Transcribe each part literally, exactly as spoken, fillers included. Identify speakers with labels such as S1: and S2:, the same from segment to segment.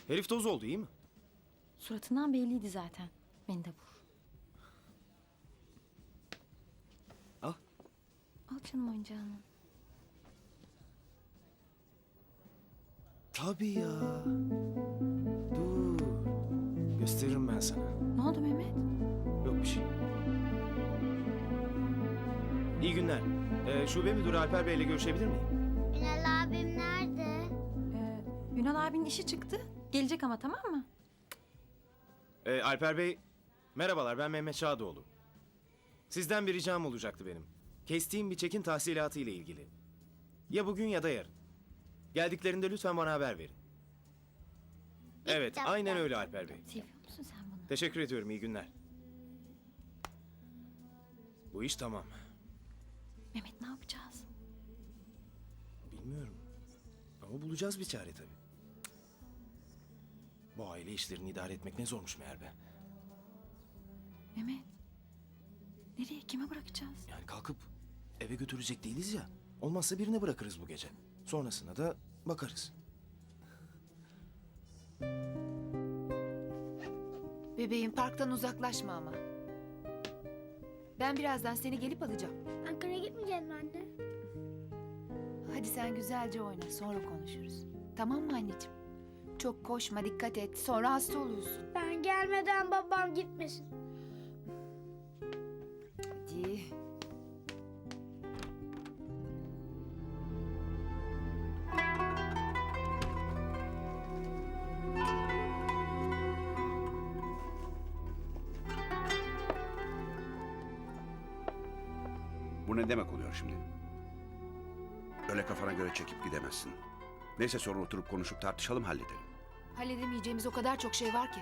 S1: Herif toz oldu, iyi mi?
S2: Suratından belliydi zaten. Beni de vur.
S1: Al.
S2: Al canım oyuncağını.
S1: Tabii ya. Dur. Gösteririm ben sana.
S2: Ne oldu Mehmet?
S1: Yok bir şey. İyi günler. Ee, şube müdürü Alper Bey ile görüşebilir miyim?
S3: Ünal abim nerede?
S2: Ee, Ünal abinin işi çıktı. Gelecek ama, tamam mı?
S1: Ee, Alper Bey, merhabalar, ben Mehmet Şadoğlu. Sizden bir ricam olacaktı benim. Kestiğim bir çekin tahsilatı ile ilgili. Ya bugün ya da yarın. Geldiklerinde lütfen bana haber verin. Evet,
S3: Tamam,
S1: aynen
S3: tamam.
S1: öyle Alper Bey.
S2: Seviyor musun sen bunu?
S1: Teşekkür ediyorum, iyi günler. Bu iş tamam.
S2: Mehmet, ne yapacağız?
S1: Bilmiyorum. Ama bulacağız bir çare tabii. Bu aile işlerini idare etmek ne zormuş meğer be.
S2: Mehmet. Nereye, kime bırakacağız?
S1: Yani kalkıp eve götürecek değiliz ya. Olmazsa birine bırakırız bu gece. Sonrasına da bakarız.
S4: Bebeğim, parktan uzaklaşma ama. Ben birazdan seni gelip alacağım.
S3: Ankara'ya gitmeyecek mi anne?
S4: Hadi sen güzelce oyna, sonra konuşuruz. Tamam mı anneciğim? Çok koşma, dikkat et. Sonra hasta oluyorsun.
S3: Ben gelmeden babam gitmesin.
S4: Hadi.
S5: Bu ne demek oluyor şimdi? Öyle kafana göre çekip gidemezsin. Neyse sonra oturup konuşup tartışalım, halledelim.
S4: Halledemeyeceğimiz o kadar çok şey var ki.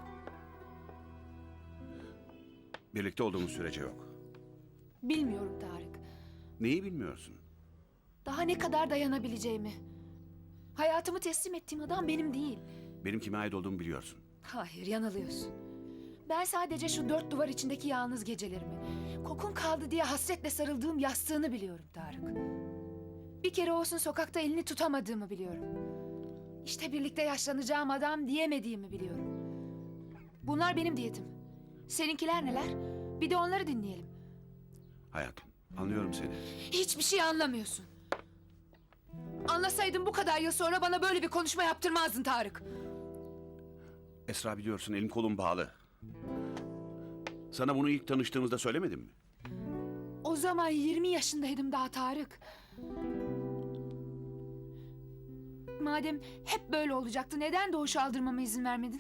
S5: Birlikte olduğumuz sürece yok.
S4: Bilmiyorum Tarık.
S5: Neyi bilmiyorsun?
S4: Daha ne kadar dayanabileceğimi. Hayatımı teslim ettiğim adam benim değil.
S5: Benim kime ait olduğumu biliyorsun.
S4: Hayır, yanılıyorsun. Ben sadece şu dört duvar içindeki yalnız gecelerimi, kokun kaldı diye hasretle sarıldığım yastığını biliyorum Tarık. Bir kere olsun sokakta elini tutamadığımı biliyorum. İşte birlikte yaşlanacağım adam diyemediğimi biliyorum. Bunlar benim diyetim. Seninkiler neler? Bir de onları dinleyelim.
S5: Hayatım, anlıyorum seni.
S4: Hiçbir şey anlamıyorsun. Anlasaydın bu kadar yıl sonra bana böyle bir konuşma yaptırmazdın Tarık.
S5: Esra, biliyorsun elim kolum bağlı. Sana bunu ilk tanıştığımızda söylemedim mi?
S4: O zaman yirmi yaşındaydım daha Tarık. Madem hep böyle olacaktı, neden Doğuş'u aldırmama izin vermedin?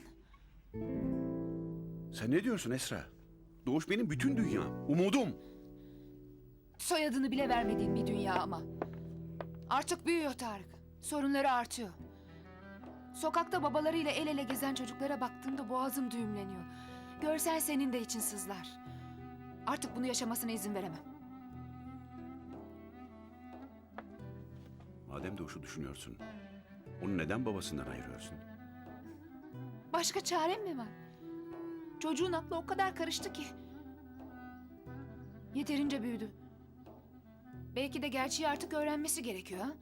S5: Sen ne diyorsun Esra? Doğuş benim bütün dünyam, umudum.
S4: Soyadını bile vermediğin bir dünya ama. Artık büyüyor Tarık. Sorunları artıyor. Sokakta babalarıyla el ele gezen çocuklara baktığımda boğazım düğümleniyor. Görsen senin de için sızlar. Artık bunu yaşamasına izin veremem.
S5: Madem Doğuş'u düşünüyorsun, onu neden babasından ayırıyorsun?
S4: Başka çarem mi var? Çocuğun aklı o kadar karıştı ki. Yeterince büyüdü. Belki de gerçeği artık öğrenmesi gerekiyor ha?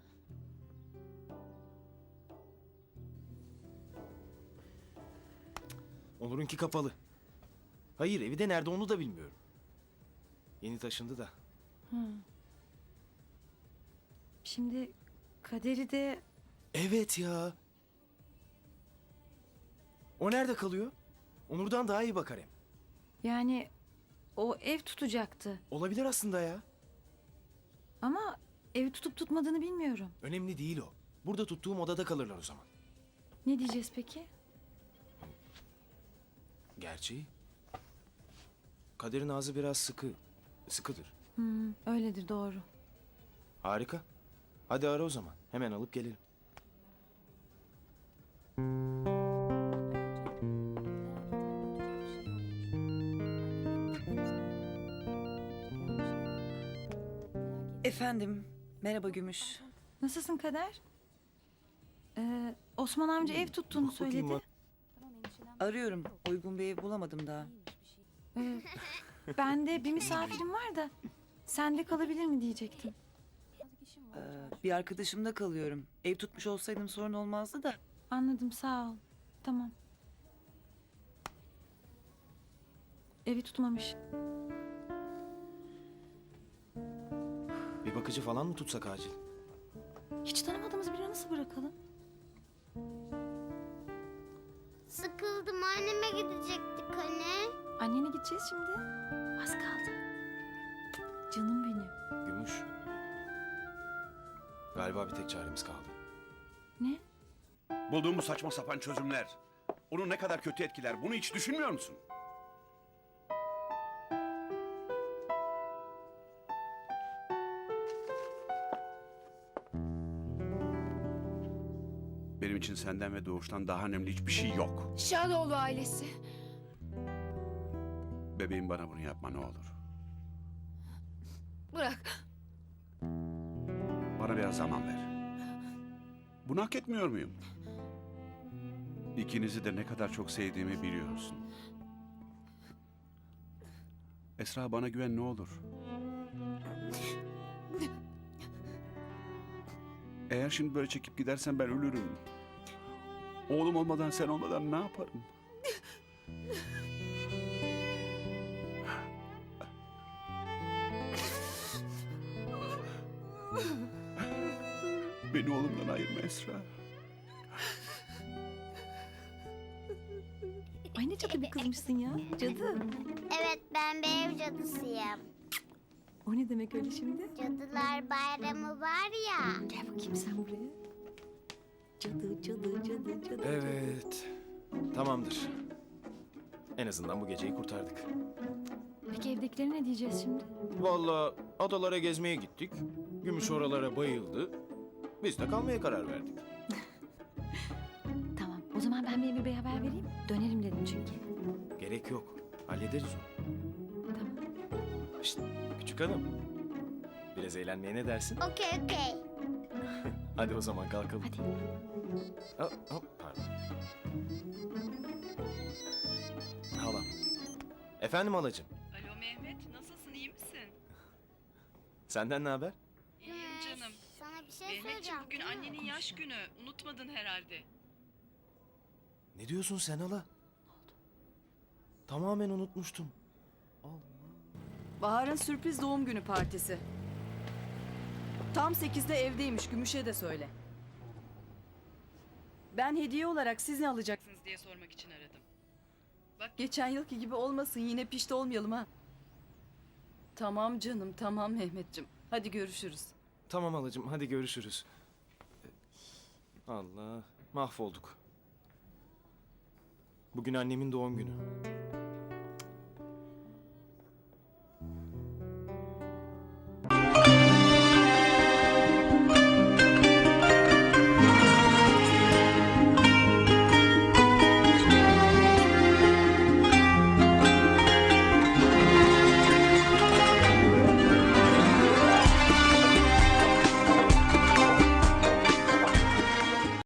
S1: Onur'unki kapalı. Hayır, evi de nerede onu da bilmiyorum. Yeni taşındı da.
S2: Şimdi Kader'i de...
S1: Evet ya. O nerede kalıyor? Onur'dan daha iyi bakar hem.
S2: Yani o ev tutacaktı.
S1: Olabilir aslında ya.
S2: Ama evi tutup tutmadığını bilmiyorum.
S1: Önemli değil o. Burada tuttuğum odada kalırlar o zaman.
S2: Ne diyeceğiz peki?
S1: Gerçi Kader'in ağzı biraz sıkı. Sıkıdır.
S2: Hmm, öyledir, doğru.
S1: Harika. Hadi ara o zaman. Hemen alıp gelelim.
S6: Efendim, merhaba Gümüş.
S2: Nasılsın Kader? Ee, Osman amca ev tuttuğunu
S1: Bak bakayım
S2: söyledi.
S1: bak.
S6: Arıyorum, uygun bir ev bulamadım daha.
S2: Ee, ben de bir misafirim var da sende kalabilir mi diyecektim.
S6: Ee, bir arkadaşımda kalıyorum. Ev tutmuş olsaydım sorun olmazdı da.
S2: Anladım, sağ ol. Tamam. Evi tutmamış.
S1: Bir bakıcı falan mı tutsak acil?
S2: Hiç tanımadığımız birini nasıl bırakalım?
S3: Sıkıldım, anneme gidecektik hani.
S2: Annene gideceğiz şimdi. Az kaldı. Canım benim.
S1: Gümüş. Galiba bir tek çaremiz kaldı.
S2: Ne?
S5: Bulduğumuz saçma sapan çözümler. Onu ne kadar kötü etkiler. Bunu hiç düşünmüyor musun? Benim için senden ve Doğuş'tan daha önemli hiçbir şey yok.
S4: Şadoğlu ailesi.
S5: Bebeğim, bana bunu yapma ne olur.
S4: Bırak.
S5: Bana biraz zaman ver. Bunu hak etmiyor muyum? İkinizi de ne kadar çok sevdiğimi biliyorsun. Esra, bana güven ne olur. Eğer şimdi böyle çekip gidersen ben ölürüm. Oğlum olmadan, sen olmadan ne yaparım? Beni oğlumdan ayırma Esra.
S2: Ay ne cadı bir kızmışsın ya. Cadı.
S3: Evet, ben bir ev cadısıyım.
S2: O ne demek öyle şimdi?
S3: Cadılar Bayramı var ya.
S2: Gel bakayım sen buraya. Cadı, cadı, cadı, cadı.
S1: Evet. Tamamdır. En azından bu geceyi kurtardık.
S2: Peki evdekilere ne diyeceğiz şimdi?
S1: Vallahi adalara gezmeye gittik. Gümüş oralara bayıldı. Biz de kalmaya karar verdik.
S2: Tamam. O zaman ben bir Emir Bey'e haber vereyim. Dönerim dedim çünkü.
S1: Gerek yok. Hallederiz onu.
S2: Tamam.
S1: Şşt, küçük hanım. Biraz eğlenmeye ne dersin?
S3: Okey, okey.
S1: Hadi o zaman kalkalım.
S2: Hadi.
S1: Hop, hop, pardon. Halam. Efendim halacığım.
S7: Alo Mehmet, nasılsın, iyi misin?
S1: Senden ne haber?
S7: İyiyim canım.
S3: Sana bir şey
S7: Mehmetciğim,
S3: söyleyeceğim.
S7: bugün annenin yaş günü. Unutmadın herhalde.
S1: Ne diyorsun sen hala? Tamamen unutmuştum.
S6: Bahar'ın sürpriz doğum günü partisi. Tam sekizde evdeymiş, Gümüş'e de söyle. Ben hediye olarak siz ne alacaksınız?
S7: Siz diye sormak için aradım. Bak,
S6: Geçen yılki gibi olmasın, yine pişti olmayalım ha. Tamam canım, tamam Mehmetciğim. Hadi görüşürüz.
S1: Tamam halacığım, hadi görüşürüz. Allah, mahvolduk. Bugün annemin doğum günü.